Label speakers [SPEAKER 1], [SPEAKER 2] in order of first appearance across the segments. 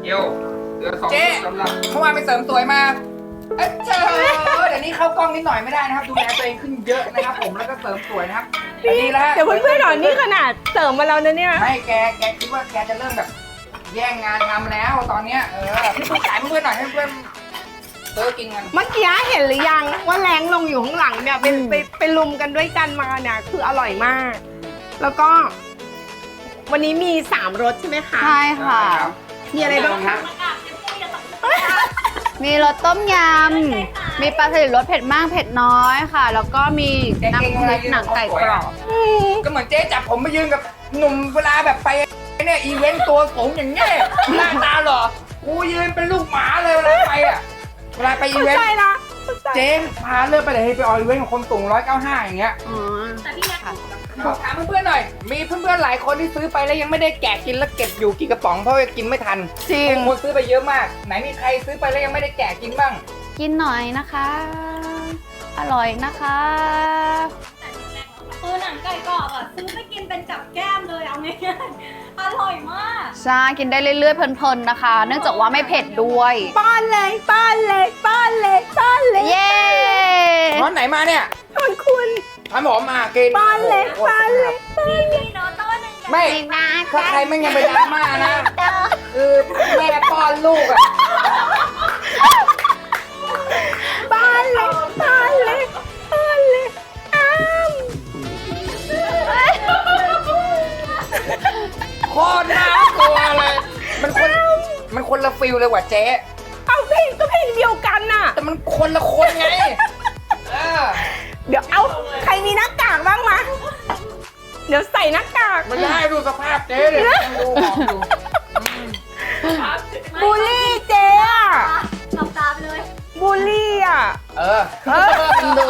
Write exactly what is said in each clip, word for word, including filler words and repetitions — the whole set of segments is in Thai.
[SPEAKER 1] เอวเหลือสองสำหรับ
[SPEAKER 2] เมื่อวานไปเสริมสวยมาเอ้ยเจอเดี๋ยวนี้เข้ากล้องนิดหน่อยไม่ได้นะครับดูแลตัวเองขึ้นเยอะนะครับผมแล้วก็เสริมสวยนะครับดีแล้ว
[SPEAKER 3] เดี๋ยวเพื่อนๆหน่อยนี่ขนาดเสริมมาแล้วนะเนี่ย
[SPEAKER 2] ไม่แกแกคิดว่าแกจะเริ่มแบบแย่งงานทำแล้วตอนเนี้ยเออพี่เพื่อนขายเพื่อนๆหน่อยให้เพื่อนซื้อกินกัน
[SPEAKER 3] เมื่อกี้เห็นหรือยังว่าแรงลงอยู่ข้างหลังเนี่ยเป็นไปไปลุมกันด้วยกันมาเนี่ยคืออร่อยมาก แล้วก็ วันนี้มีสามรสใช่ไหมคะ
[SPEAKER 4] ใช่ค่ะ
[SPEAKER 3] มีอะไรบ้างคะ
[SPEAKER 4] มีรสต้มยำ มีปลาสลิดรสเผ็ดมากเผ็ดน้อยค่ะ แล้วก็มีน้ำพริกหนังไก่กรอบ
[SPEAKER 2] ก็เหมือนเจ๊จับผมไปยืนกับหนุ่มเวลาแบบไปเนี่ยอีเวนต์ตัวสูงอย่างเงี้ยหน้าตาหรอกูยืนเป็นลูกหมาเลยเวลาไปอ่ะเวลาไปอีเวนต์
[SPEAKER 3] ใช่ละ
[SPEAKER 2] เจ๊พาเลือกไปเลยให้ไปอออีเวนต์ของคนสูงร้อยเก้าห้าอย่างเงี้ย
[SPEAKER 4] อ๋อ
[SPEAKER 2] บอกถามเพื่อนๆหน่อยมีเพื่อนๆหลายคนที่ซื้อไปแล้วยังไม่ได้แกะกินแล้วเก็บอยู่กี่กระป๋องเพราะว่ากินไม่ทัน
[SPEAKER 3] จริง
[SPEAKER 2] คนซื้อไปเยอะมากไหนมีใครซื้อไปแล้วยังไม่ได้แกะกินบ้าง
[SPEAKER 4] กินหน่อยนะคะ อร่อยนะคะ
[SPEAKER 5] คือหนังไก่กรอบอ่ะซื้อไปกินเป็นกับแก้มเลยเอาง่ายๆอร่อยมาก
[SPEAKER 4] ใช่กินได้เรื่อยๆเพลินๆนะคะ เนื่องจากว่าไม่เผ็ดด้วย
[SPEAKER 3] ป้อนเลยป้อนเลยป้อนเลยป้อนเลย
[SPEAKER 4] เย้
[SPEAKER 2] ร้อนไหนมาเนี่ย
[SPEAKER 3] ขอบคุณ
[SPEAKER 2] ทำผมมากิน
[SPEAKER 3] ป้อนเลย
[SPEAKER 2] โอ้โห
[SPEAKER 3] ป้อนเลย
[SPEAKER 5] พี่มีโนโต้หนึ่ง
[SPEAKER 2] ไม่ถ้าใครไม่ยังไปดราม่านะคือแม่ป้อนลูกอะ
[SPEAKER 3] ป้อนเลยป้อนเลยป้อนเลยอ้าม
[SPEAKER 2] โคตรน่ากลัวเลยมันคนมันคนละฟิลเลยว่ะเจ๊
[SPEAKER 3] เอาเพลงก็เพลงเดียวกันน่ะ
[SPEAKER 2] แต่มันคนละคนไงเออ
[SPEAKER 3] เดี๋ยวเอาใครมีหน้ากากบ้างมา เดี๋ยวใส่หน้ากาก
[SPEAKER 2] ไม่ได้ดูสภาพเจ๊เลยดูออกอยู่
[SPEAKER 3] บูลลี่เจ๊อะ
[SPEAKER 5] หลับตาไปเลย
[SPEAKER 3] บูลลี่อะ
[SPEAKER 2] เออ
[SPEAKER 3] เออ
[SPEAKER 4] ดู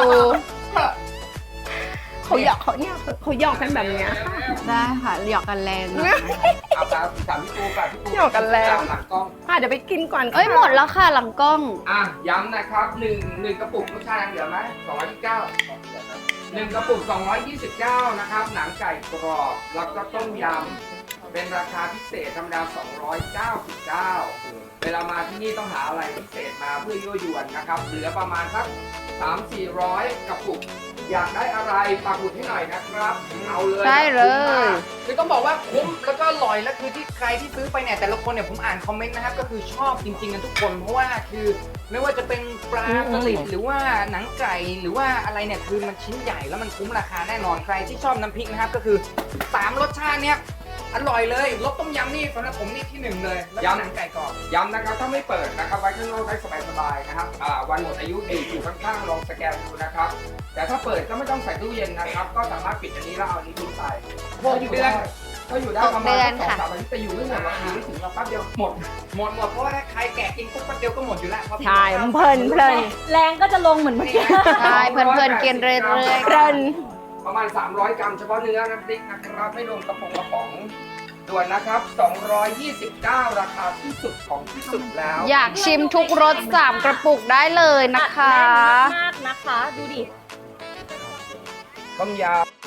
[SPEAKER 3] เขาหยอกเขาเนี่ยเขาหยอกกันแบบเนี้ยค่ะ
[SPEAKER 4] ได้ค่ะหยอกกันแรงนะ
[SPEAKER 2] เอาตามสามพี่ปูกับพี่ปู
[SPEAKER 3] หยอกกันแล้ว
[SPEAKER 2] หลังกล้อง
[SPEAKER 3] อ่ะเดี๋ยวไปกินก่อน
[SPEAKER 4] เอ้ยหมดแล้วค่ะหลังกล้อง
[SPEAKER 2] อ่ะย้ำนะครับหนึ่งหนึ่งกระปุกรสชาติยังเหลือไหมสองร้อยยี่สิบเก้าหนึ่งกระปุกสองร้อยยี่สิบเก้านะครับหนังไก่กรอบแล้วก็ต้มยำเป็นราคาพิเศษธรรมดาสองร้อยเก้าสิบเก้าเวลามาที่นี่ต้องหาอะไรพิเศษมาเพื่อยั่วยวนนะครับเหลือประมาณสักสามสี่ร้อยกระปุกอยากได้อะไรปักหมุดให้หน่อยนะครับเอาเลย
[SPEAKER 4] ได้เลย
[SPEAKER 2] คือต้องบอกว่าคุ้มแล้วก็อร่อยแล้วคือที่ใครที่ซื้อไปเนี่ยแต่ละคนเนี่ยผมอ่านคอมเมนต์นะครับก็คือชอบจริงๆกันทุกคนเพราะว่าคือไม่ว่าจะเป็นปลาสลิดหรือว่าหนังไก่หรือว่าอะไรเนี่ยคือมันชิ้นใหญ่แล้วมันคุ้มราคาแน่นอนใครที่ชอบน้ำพริกนะครับก็คือสามรสชาติเนี่ยอร่อยเลยรสต้มยำนี่สำหรับผมนี่ที่หนึ่งเลยแล้วก็หนังไก่กรอบย้ำนะครับถ้าไม่เปิดนะครับไว้ข้างนอกได้สบายๆนะครับอ่าวันหมดอายุดีอยู่ข้างๆลองสแกนดูนะครับแต่ถ้าเปิดก็ไม่ต้องใส่ตู้เย็นนะครับก็สามารถปิดอันนี้แล้วเอาอันนี้ทิ้งไปพวกอยู่ได้ก็อยู่ได้ประมาณสองสามอาทิตย์แต่อยู่ไม่หมดหรอกอยู่ไม่ถึงเราแป๊บเดียวหมดหมดหมดเพราะว่าถ้าใครแกะกินปุ๊บแป๊บเดียวก็หมดอยู่แล้วเพราะ
[SPEAKER 3] ใช่มันเพลินเพลิน
[SPEAKER 5] แรงก็จะลงเหมือนเมื่อกี้
[SPEAKER 4] ใช่เพลินๆกินเรื่อย
[SPEAKER 3] เพลิน
[SPEAKER 2] ประมาณสามร้อยกรัมเฉพาะเนื้อน้ำพริกนะครับไม่รวมกระป๋องกระป๋องด่วนนะครับสองร้อยยี่สิบเก้าราคาที่สุดของที่สุดแล้ว
[SPEAKER 4] ๆ อยากชิมทุกรสสามกระปุกได้เลยนะคะ
[SPEAKER 5] มากนะคะ ดูดิ
[SPEAKER 2] ต้มย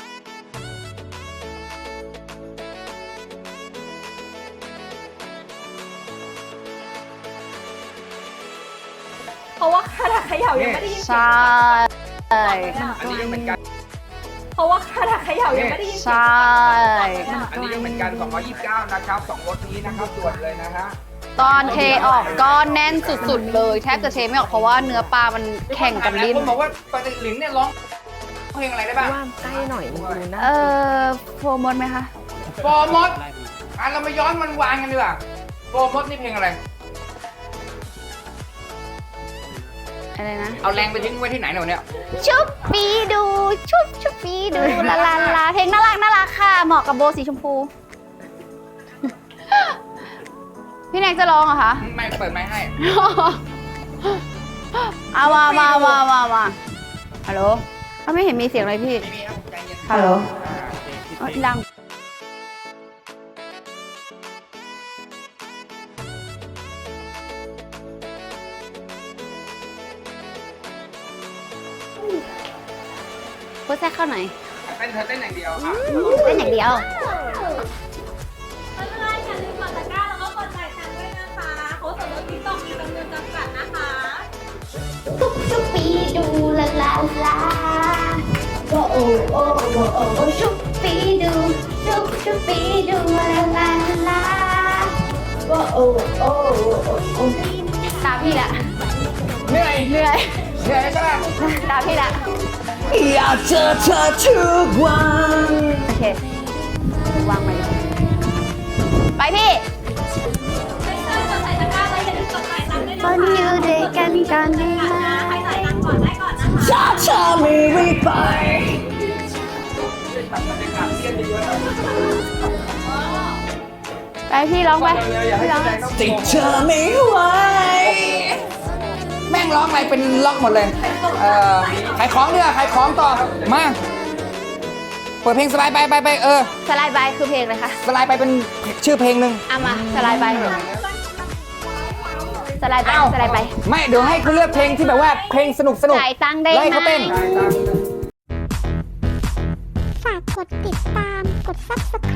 [SPEAKER 5] เพราะว่าขนาดเขย่ายังไม่ได้ยิน
[SPEAKER 4] ใช
[SPEAKER 5] เสียง่
[SPEAKER 2] ำอันนี้ก็เหมือนกัน
[SPEAKER 5] เพราะว่าขนาดเขย่ายังไม่ได้ยินเสียง
[SPEAKER 4] ใช่
[SPEAKER 2] อันนี้ก็เหมือนกันสองร้อยยี่สิบเก้านะครับสองรสนี้นะครับด่วนเลยนะฮะ
[SPEAKER 4] ตอนเทออกก็แน่นสุดๆเลยแทบจะเทไม่ออกเพราะว่าเนื้อปลามันแข่งกันดิ้น
[SPEAKER 2] หลายคนบอกว่าปลาติลินเนี่ยร้องเพลงอะไรได้บ้าง
[SPEAKER 3] ว่าใกล้หน่อยมันดูนะ
[SPEAKER 4] เออโฟมดไหมคะ
[SPEAKER 2] โฟมดอ่ะเรามาย้อนมันวานกันดีกว่าโฟมดนี่เพลงอะไร
[SPEAKER 4] อะไรนะ
[SPEAKER 2] เอาแรงไปทิ้งไว้ที่ไหนหนูเนี่ย
[SPEAKER 4] ชุบปีดูชุบชุบปีดูลาลาลาเพลงน่ารักน่ารักค่ะเหมาะกับโบสีชมพู พี่แนกจะร้องเหรอคะ
[SPEAKER 2] ไม่เปิดไม้ให้
[SPEAKER 4] เอามามามามามาฮัลโหลเขาไม่เห็นมีเสียงเลยพี่
[SPEAKER 2] ไม่มีครับใจเย็น
[SPEAKER 4] ฮัลโหล
[SPEAKER 2] อ่า
[SPEAKER 4] อ๋อดังพูดแทรกเข้าหน่อย
[SPEAKER 2] เต้นเธอเต้นอย่างเดียวอ่ะ
[SPEAKER 4] เต้นอย่างเดียว
[SPEAKER 5] เพื่อนๆอย่าลืมกดตะกร้าแล้วก็กดจ่ายตังค์ด้วยนะคะโอ้ชุบปีดูชุบชุบปีดูลาลาลาโอ้โอ้โอ้โอ้
[SPEAKER 4] ตามพี่ละ
[SPEAKER 2] เหนื่อย
[SPEAKER 4] เหนื่อย
[SPEAKER 2] เหนื่อยใช่ไหม
[SPEAKER 4] ตามพี่ละ
[SPEAKER 3] อยากเจอเธอทุกวัน
[SPEAKER 4] โอเควางไปไปพี่
[SPEAKER 5] ใส่ตะกร้าไว้อย่าลืมกดจ่ายตังค์ด้วย
[SPEAKER 4] ค
[SPEAKER 5] นะ
[SPEAKER 4] นอยู่ด้วยกันกันได้ไหม
[SPEAKER 5] ใครจ่ายตังค์ก่อนได้ก่อนนะคะ
[SPEAKER 3] ถ้าเธอไม่รีบไป
[SPEAKER 4] ไปพี่ร้องไป
[SPEAKER 2] อย่าให้
[SPEAKER 4] พี่ร้อง
[SPEAKER 2] แสดงต้อง
[SPEAKER 3] ติดเธอไม่ไหว
[SPEAKER 2] แม่งร้องอะไรเป็นล็อกหมดเลย เอ่อขายของเนี่ยขายของต่อ มา เปิดเพลงสไลด์ไปไปไปเออ
[SPEAKER 4] สไลด์บายคือเพลงเลยค่ะ
[SPEAKER 2] สไลด์ไปเป็นชื่อเพลงหนึ่ง
[SPEAKER 4] เอามาสไลด์บายสไลด์ไป
[SPEAKER 2] อ้าว
[SPEAKER 4] สไลด์ไป
[SPEAKER 2] ไม่เดี๋ยวให้คุณเลือกเพลงที่แบบว่าเพลงสนุกสนุก
[SPEAKER 4] จ่ายตังค์ได้
[SPEAKER 2] ไล่
[SPEAKER 4] ไหม
[SPEAKER 2] เขาเต้น
[SPEAKER 6] ฝากกดติดตาม กด ซับสไคร